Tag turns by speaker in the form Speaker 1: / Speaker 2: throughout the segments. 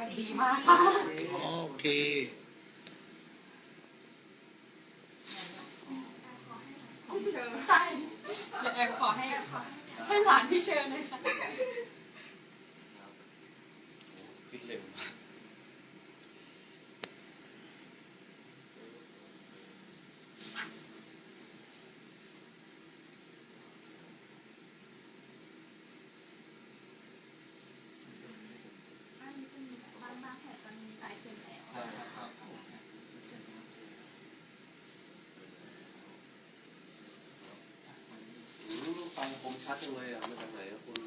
Speaker 1: ดีมากค่ะ
Speaker 2: โอเค
Speaker 1: ใช่เดี๋ยวแอมขอให้หลานพี่เชิญเลยค่ะ
Speaker 3: คิดเร็ว
Speaker 1: บางแผลจะมีลายเซ็นแล้ว
Speaker 3: ฟังคมชัดจังเลยอ่ะมาจากไหนอ่ะคุณ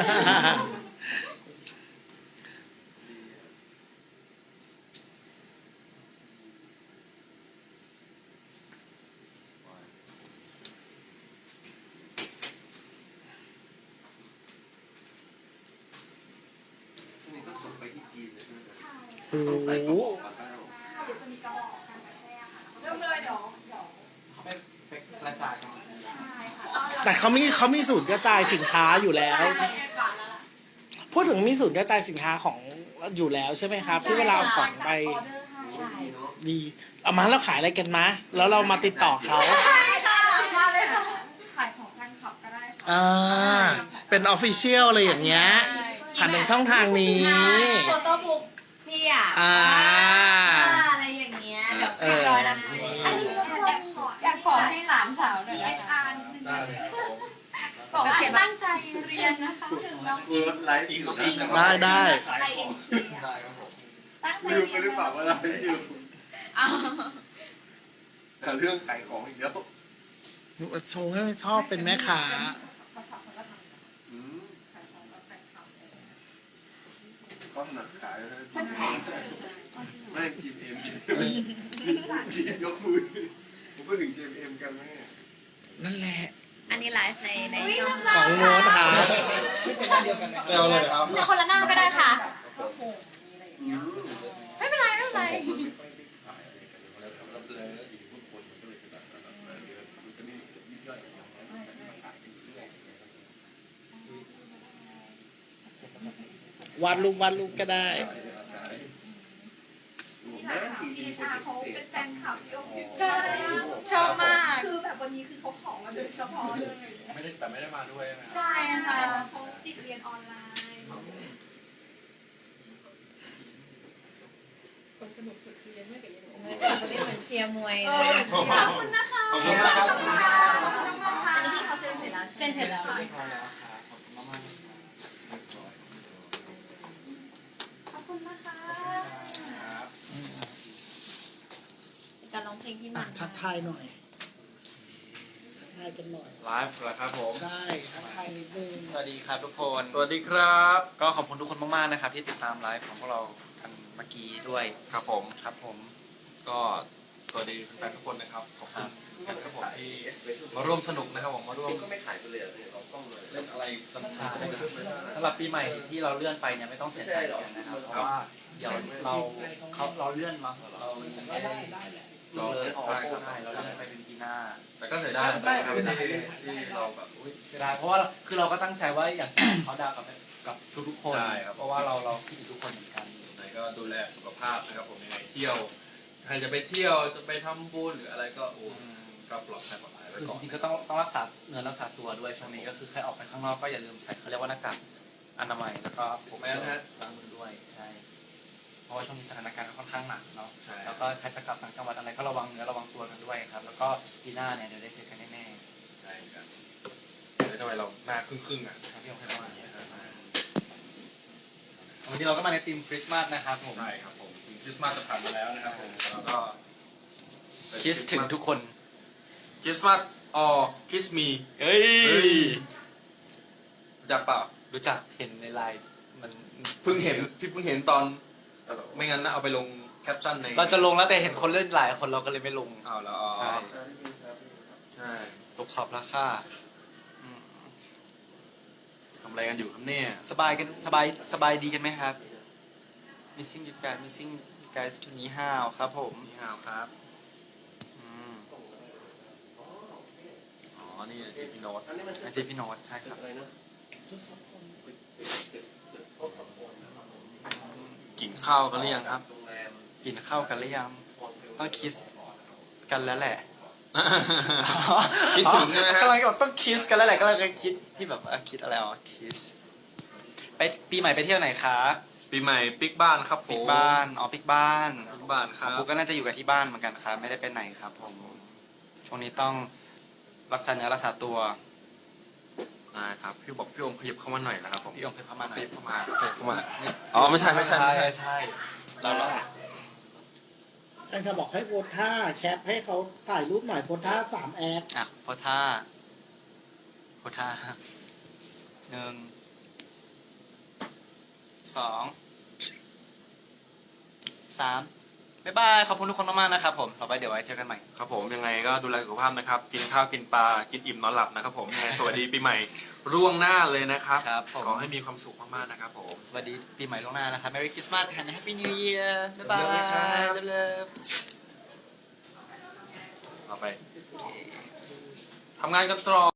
Speaker 3: นี่ก็ส่งไปที่จีนเลยใช่ไหมครับต้องใส่กระบอกปากกา
Speaker 1: เดี๋ยวจะมีกระบอกกันกระแทกค่ะเริ่มเลยเดี๋ยว
Speaker 4: เขาไปกระจายกัน
Speaker 1: ใช่ค่ะ
Speaker 2: แต่เขามีศูนย์กระจายสินค้าอยู่แล้ว พูดถึงมีศูนย์กระจายสินค้าของอยู่แล้วใช่ไหมครับที่เวลาของไปดีเอามาแล้วขายอะไรกันมะแล้วเรามาติดต่อเขา
Speaker 1: มาเลยค่ะขายของแฟนคลับก็ได้ค่ะ
Speaker 2: เป็นออฟฟิเชียลอะไรอย่างเงี้ยผ่านทางช่องทางนี้
Speaker 1: โฟโต้บุ๊กพี่อ่ะอะไรอย่างเงี้ยเดี๋ยวพี่ร้อยนะอยากขอให้หลานสาวหน่อยนะคะ นิดนึงบอกว่าตั้งใจเรียนนะคะถึงน้อง
Speaker 3: เวิร์ดไลฟ์อยู่
Speaker 2: ได้
Speaker 1: ตั้งใจ
Speaker 3: ลืม
Speaker 1: เรี
Speaker 3: ไป
Speaker 1: ยน
Speaker 3: หรือเปล่าว่าไลฟ์อยู่แต่เรื่องขายของอีกแล้ว
Speaker 2: ชงให้ชอบเป็นแม่ค้า
Speaker 3: ก็ถนัดขายนะไม่ทีมเอ็มทีมยกมือผมพูดถึงทีมเอ็มกันไหม
Speaker 2: นั่นแหละ
Speaker 1: อันนี้ไลฟ์ในช่อง
Speaker 2: ของโน้ตค่ะ
Speaker 4: เร็วเลยครับ
Speaker 1: มีคนละหน้าก็ได้ค่ะไม่เป็นไร
Speaker 2: วาดรูปก็ได้
Speaker 1: พี่ชาเขาเป็นแฟนคลับพี่อ๊ใช่ชอบมากคือแบบวันนี้คือเขาขอมาโดยเฉพาะเลย
Speaker 4: ไม่ได้มาด้วย
Speaker 1: ใช่ค่ะเขาติดเรียนออนไลน์คนสนุกสุดคือเรียนเมื่อกี้เรียนเหมือนเชียร์มวยเลยขอบคุณนะคะ
Speaker 4: ขอบคุณมากครับ
Speaker 1: อันนี้พี่เขาเซ็นเสร็จแล้วเซ็นเสร็จแล้วขอบคุณนะคะการร้องเพลงที่มัน
Speaker 2: ทักทายหน่อยทักทายกันหน่อย
Speaker 4: ไลฟ์เหรอครับผม
Speaker 2: ใช่ทักทายนิดนึง
Speaker 4: สวัสดีครับทุกคนสวัสดีครับก็ขอบคุณทุกคนมากๆนะครับที่ติดตามไลฟ์ของพวกเรากันเมื่อกี้ด้วยครับผมก็สวัสดีแฟนทุกคนนะครับขอบคุณกันครับผมที่มาร่วมสนุกนะครับผมมาร่วม
Speaker 3: ก็ไม่ขายไปเลยเราต้องเลย
Speaker 4: เล่นอะไรสนุกสำหรับปีใหม่ที่เราเลื่อนไปเนี่ยไม่ต้องเสียใจเลยนะครับเพราะว่าเดี๋ยวเราเลื่อนมาเราไม่ได้เราเลื่อนไปเป็นปีหน้าแต่ก็เสียดายที่เราแบบเสียดายเพราะว่าคือเราก็ตั้งใจว่าอยากจะเขาดาวกับทุกๆคนเพราะว่าเราคิดถึงทุกคนเหมือนกันไหนก็ดูแลสุขภาพนะครับผมยังไงเที่ยวใครจะไปเที่ยวจะไปทำบุญหรืออะไรก็ก็ปลอดภัยไว้ก่อนจริงๆก็ต้องรักษาเนื้อรักษาตัวด้วยช่วงนี้ก็คือใครออกไปข้างนอกก็อย่าลืมใส่เขาเรียกว่าหน้ากากอนามัยแล้วก็พกล้างมือด้วยใช่เพราะว่าช่วงนี้สถานการณ์ค่อนข้างหนักเนาะแล้วก็ใครจะกลับต่างจังหวัดอะไรก็ระวังเนื้อระวังตัวกันด้วยครับแล้วก็ปีหน้าเนี่ยเดี๋ยวได้เจอกันแน่ๆใช่ครับเดี๋ยวทำไมเราหน้าครึ่งอ่ะพี่องค์ให้มาวันนี้เราก็มาในธีมคริสต์มาสนะครับผมใช่ครับผมธีมคริสต์มาสจะผ่านมาแล้วนะครับผมแล้วก็คิดถึงทุกคนคริสต์มาสคิสมีเฮ้ยรู้จักเปล่ารู้จักเห็นในไลน์มันเพิ่งเห็นตอนไม่งั้นนะเอาไปลงแคปชั่นในเราจะลงแล้วแต่เห็นคนเล่นหลายคนเราก็เลยไม่ลงเอาแล้วใช่ตกขอบราคาทำอะไรกันอยู่ครับเนี่ยสบายดีกันไหมครับ missing you guys to นี่ฮาวครับผมนี่ฮาวครับนี่เจพี่โน้ตใช่ครับ
Speaker 5: กินข้าวกันหรือยังครับ
Speaker 4: กินข้าวกันหรือยังต้องคิสกันแล้วแหละ
Speaker 5: คิดถึงใช่ไหมฮะ
Speaker 4: กำลังบอกต้องคิสกันแล้วแหละก็เลยคิดที่แบบคิดอะไรอ๋อคิสไปปีใหม่ไปเที่ยวไหนคะ
Speaker 5: ปีใหม่ปิกบ้านครับผม
Speaker 4: ปิกบ้านอ๋อปิกบ้าน
Speaker 5: ปิกบ้านครับ
Speaker 4: ผมก็น่าจะอยู่กับที่บ้านเหมือนกันครับไม่ได้ไปไหนครับผมช่วงนี้ต้องรักษาเนื้อรักษาตัว
Speaker 5: นะครับพี่บอกพี่อมขยับเข้ามาหน่อยนะครับผม
Speaker 4: พี่องค์เคยพามาหน่อย
Speaker 5: ขยับเข้ามาอ๋อไม่ใช่
Speaker 4: ใช่เรา
Speaker 2: แฟนคลับบอกให้โพสท่าแคปให้เขาถ่ายรูปหน่อยโพสท่า3 แอป
Speaker 4: อ่ะโพท่า1 2 3บ๊ายบายขอบคุณทุกคนมากๆนะครับผมต่อไปเดี๋ยวไว้เจอกันใหม่
Speaker 5: ครับผมยังไงก็ดูแลสุขภาพนะครับ กินข้าวกินปลากินอิ่มนอนหลับนะครับผมยังไงสวัสดีปีใหม่ร่วงหน้าเลยนะครับ
Speaker 4: ครับผม
Speaker 5: ขอให้มีความสุขมากๆนะครับผม
Speaker 4: สวัสดีปีใหม่ล่วงหน้านะครับ Merry Christmas and Happy New Year บ๊ายบาย เลิฟ
Speaker 5: ต่อไปทำงานกันต่อ